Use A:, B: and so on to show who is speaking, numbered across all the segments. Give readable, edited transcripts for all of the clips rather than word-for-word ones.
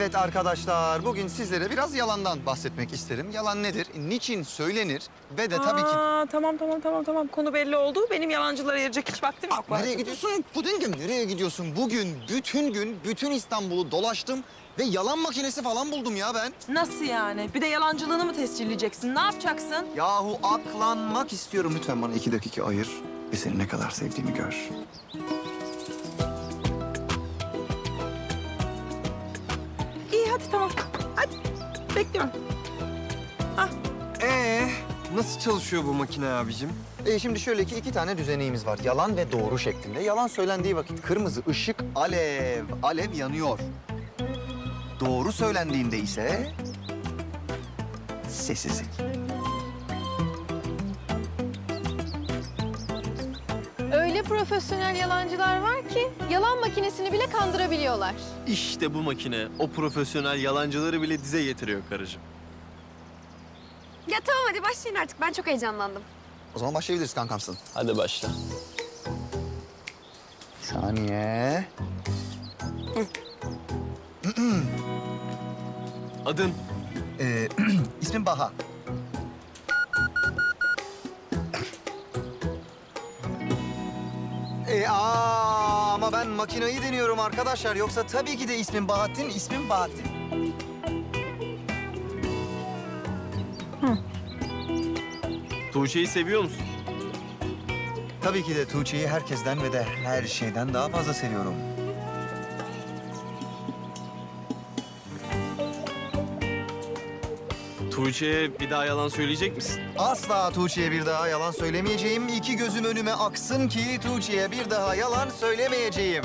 A: Evet arkadaşlar, bugün sizlere biraz yalandan bahsetmek isterim. Yalan nedir, niçin söylenir ve de tabii ki...
B: Tamam. Konu belli oldu. Benim yalancılara ayıracak hiç vaktim yok.
A: Nereye gidiyorsun Pudingim, nereye gidiyorsun? Bugün bütün gün bütün İstanbul'u dolaştım ve yalan makinesi falan buldum ya ben.
B: Nasıl yani? Bir de yalancılığını mı tescilleyeceksin? Ne yapacaksın?
A: Yahu aklanmak istiyorum. Lütfen bana 2 dakika ayır ve seni ne kadar sevdiğimi gör.
B: İyi hadi tamam. Hadi bekliyorum.
C: Nasıl çalışıyor bu makine abicim?
A: Şimdi şöyle ki 2 tane düzeneğimiz var. Yalan ve doğru şeklinde. Yalan söylendiği vakit kırmızı ışık alev yanıyor. Doğru söylendiğinde ise sessizlik.
D: Öyle profesyonel yalancılar var ki yalan makinesini bile kandırabiliyorlar.
E: İşte bu makine o profesyonel yalancıları bile dize getiriyor karıcığım.
F: Ya tamam hadi başlayın artık. Ben çok heyecanlandım.
A: O zaman başlayabiliriz kankamsın.
E: Hadi başla.
A: Saniye.
E: Adın?
A: İsmim Baha. Ama ben makinayı deniyorum arkadaşlar. Yoksa tabii ki de ismim Bahattin, ismim Bahattin.
E: Tuğçe'yi seviyor musun?
A: Tabii ki de Tuğçe'yi herkesten ve de her şeyden daha fazla seviyorum.
E: Tuğçe'ye bir daha yalan söyleyecek misin?
A: Asla Tuğçe'ye bir daha yalan söylemeyeceğim. 2 gözüm önüme aksın ki Tuğçe'ye bir daha yalan söylemeyeceğim.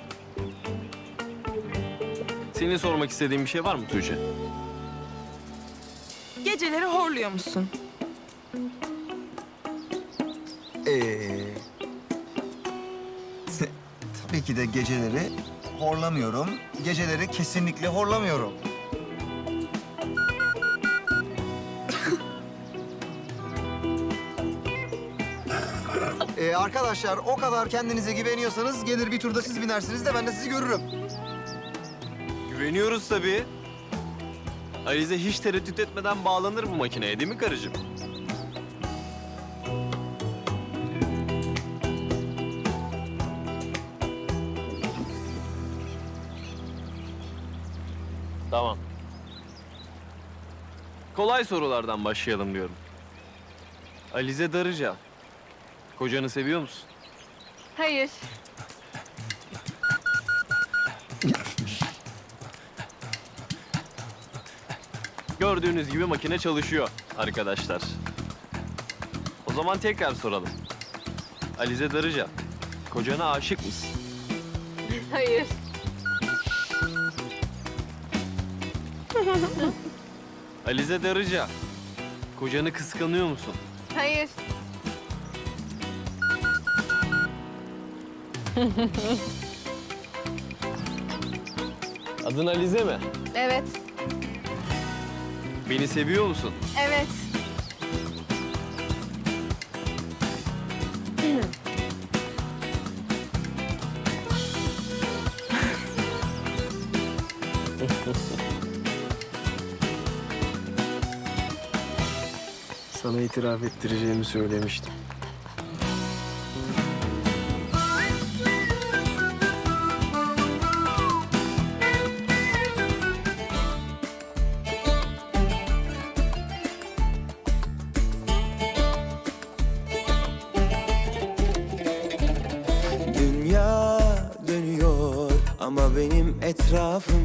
E: Senin sormak istediğin bir şey var mı Tuğçe?
B: Geceleri horluyor musun?
A: Tabii ki de geceleri horlamıyorum. Geceleri kesinlikle horlamıyorum. Arkadaşlar o kadar kendinize güveniyorsanız gelir bir turda siz binersiniz de ben de sizi görürüm.
E: Güveniyoruz tabii. Alize hiç tereddüt etmeden bağlanır bu makineye değil mi karıcığım? Tamam. Kolay sorulardan başlayalım diyorum. Alize Darıca, kocanı seviyor musun?
D: Hayır.
E: Gördüğünüz gibi makine çalışıyor arkadaşlar. O zaman tekrar soralım. Alize Darıca, kocana aşık mısın?
D: Hayır.
E: Alize Darıca, kocanı kıskanıyor musun?
D: Hayır.
E: Adın Alize mi?
D: Evet.
E: Beni seviyor musun?
D: Evet.
C: Sana itiraf ettireceğimi söylemiştim.
G: Dünya dönüyor ama benim etrafım